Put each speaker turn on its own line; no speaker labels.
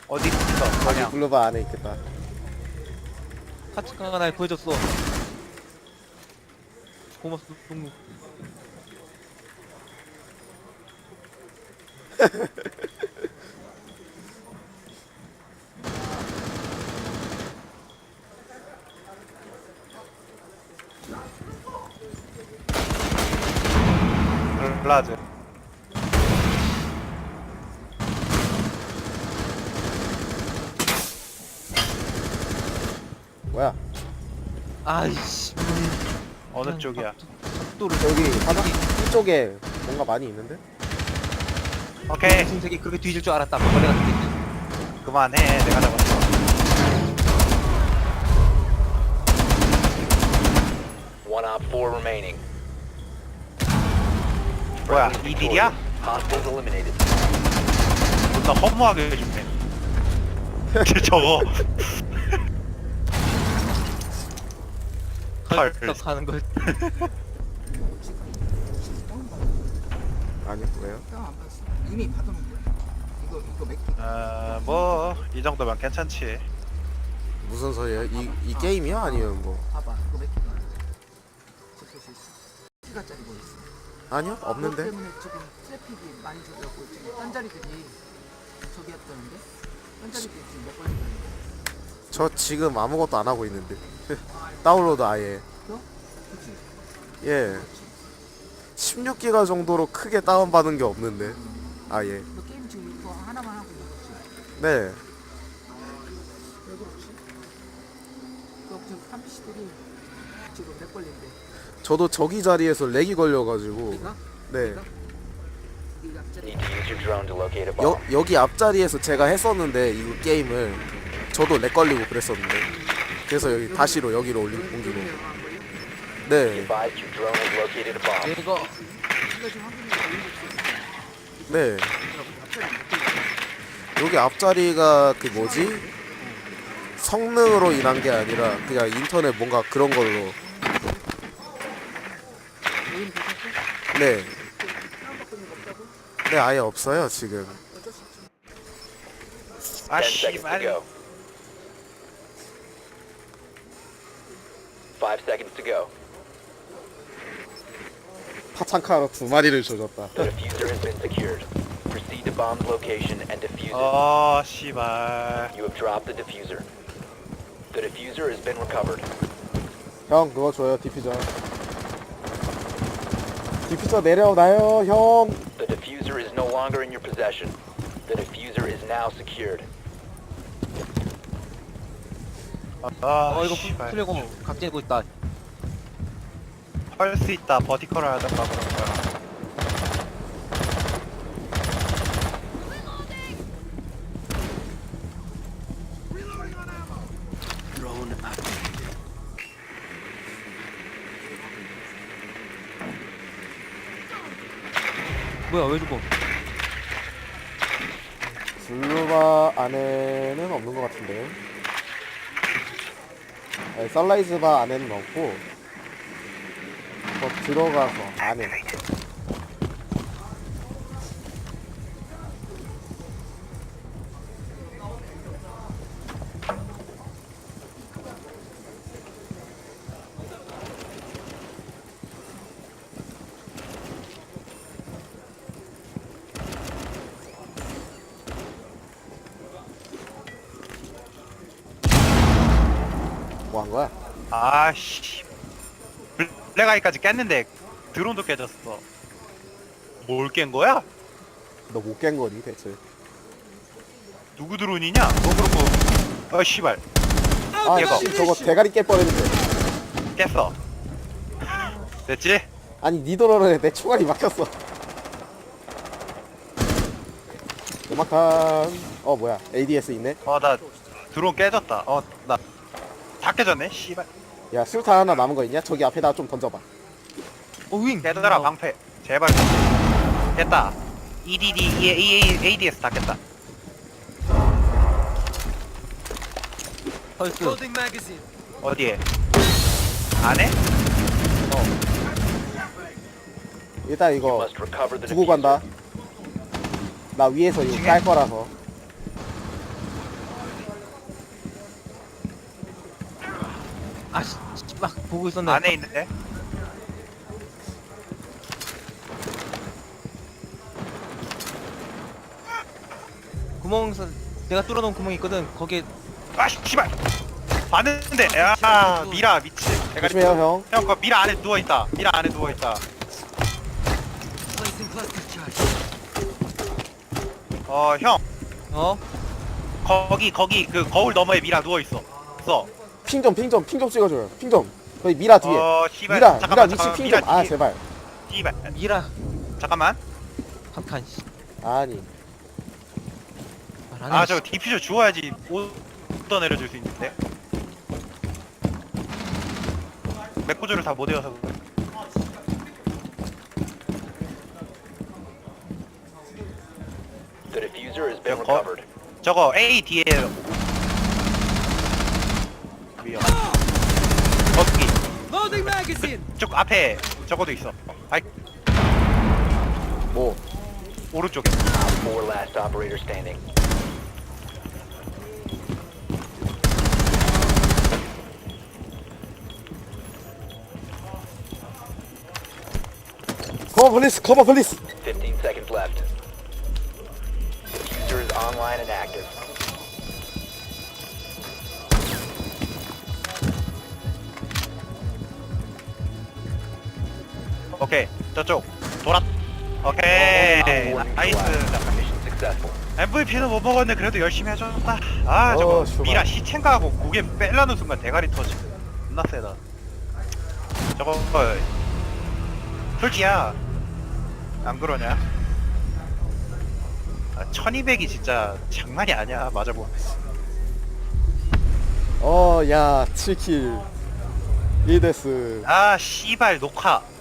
어디 있어?
여기
방향.
블루바 안에 있겠다.
카츠카가 날 구해줬어. 고맙소 동무.
블라즈.
뭐야?
아이씨.
어느 쪽이야?
또를
저기 바닥 이쪽에 뭔가 많이 있는데?
오케이.
무슨 색이 그렇게 뒤질 줄 알았다. 벌레 같은 새끼.
그만해. 내가 잡았어.
One op 4 remaining.
뭐야?
Friendly
이 딜이야?
Hostiles eliminated.
존나 허무하게 해준대. 저거. 헐.
헐떡 하는 걸.
아니 왜요?
안 봤어. 이미 받아놓은 거야. 이거 맥기.
뭐, 이 정도면 괜찮지.
무슨 소리야? 이 게임이야? 아니면 뭐?
봐봐. 이거 맥기가. 지킬 수 있어. 시가짜리 뭐 있어?
아니요?
그것
없는데?
때문에 지금 트래픽이 많이 줄었고 지금 딴 자리들이 저기 했다는데? 딴 자리들이 지금 몇 번이 가는데?
저 지금 아무것도 안 하고 있는데. 다운로드 아예.
너? 그치?
예. 16기가 정도로 크게 다운받은 게 없는데. 아예.
너 게임 지금 이거 하나만 하고 있는 거지?
네.
왜 그렇지? 너 지금 탐피시들이 지금 몇 걸린데?
저도 저기 자리에서 렉이 걸려가지고.
네가?
네.
네가 앞자리
Need to use your drone to locate a bomb.
여기 앞자리에서 제가 했었는데 이 게임을 저도 렉 걸리고 그랬었는데. 그래서 여기 다시로 여기로 옮기고.
Be
네.
advised your drone has located a bomb.
이거
이거 지금 확인해 보이는
네.
앞자리 몇 걸린데?
여기 앞자리가 그 뭐지? 성능으로 인한 게 아니라 그냥 인터넷 뭔가 그런 걸로.
여기는 괜찮고?
네.
다운받고 있는 거 없다고?
네, 아예 없어요, 지금.
어쩔 수 없지.
아,
10 seconds to
씨발.
go. 5 seconds to go.
파창카로 2마리를 조졌다.
The diffuser has been secured. Proceed to bomb's location and defuse it.
씨발.
You have dropped the diffuser. The diffuser has been recovered.
형, 그거 줘요, 디퓨저. 디퓨저 내려놔요, 형.
The diffuser is no longer in your possession. The diffuser is now secured.
이거
씨발.
플레이공 각재고 있다.
할 수 있다. 버티컬을 하던가 그런 거야.
뭐야 왜 죽어?
블루바 안에는 없는 것 같은데. 네, 선라이즈바 안에는 없고, 더 들어가서 안에. 뭐 한 거야?
아씨. 블랙아이까지 깼는데 드론도 깨졌어. 뭘 깬 거야?
너 못 깬 거니, 대체?
누구 드론이냐? 너 그러고 씨발
아,
얘가.
씨, 저거 대가리 깰 뻔했는데.
깼어. 됐지?
아니, 니 도로에 내 총알이 막혔어. 음악한. 뭐야, ADS 있네?
나 드론 깨졌다. 나 다 깨졌네. 씨발.
야, 술탄 하나 남은 거 있냐? 저기 앞에다 좀 던져봐.
윙.
깨더라 방패. 제발. 깼다. EDD, ADS 다 깼다.
펄스.
어디에? 안에?
일단
You
이거
must recover the
두고
diffuser.
간다. 나 위에서 이거 깔 거라서.
아씨 막 보고 있었네.
안에 있는데.
구멍에서 내가 뚫어놓은 구멍이 있거든. 거기에
아 씨발. 봤는데. 야 미라 미치. 대가리.
조심해요 형.
형, 그 미라 안에 누워 있다. 미라 안에 누워 있다. 형,
어?
거기 그 거울 너머에 미라 누워 있어.
핑 좀 찍어줘요. 핑 좀. 거기 미라 뒤에.
씨발.
미라
잠깐만,
위치
잠깐만,
핑
미라
좀. 아
뒤에.
제발.
씨발.
미라
잠깐만.
박한 씨.
아니.
말 안 해,
저 디퓨저 주워야지 오더 내려줄 수 있는데. 맥구조를 다 못 외워서 그래.
The diffuser has been
Yeah,
recovered.
저거 A 뒤에 위험. 거기. 그쪽 앞에 저거도 있어. 아이
뭐.
오른쪽에.
4 last operator standing.
커버 플리스.
15 seconds left. Diffuser is online and active.
오케이. 저쪽. 돌아. 오케이.
Op 4
나이스.
neutralized. Mission successful.
MVP는 못 먹었는데 그래도 열심히 해줬다. 저거
슈발.
미라 시첸가 하고 고개 빼려는 순간 대가리 터지. 존나 세다. 저거 솔직히야 안 그러냐? 1200이 진짜 장난이 아니야. 맞아보.
야 7킬. 리데스.
씨발 녹화.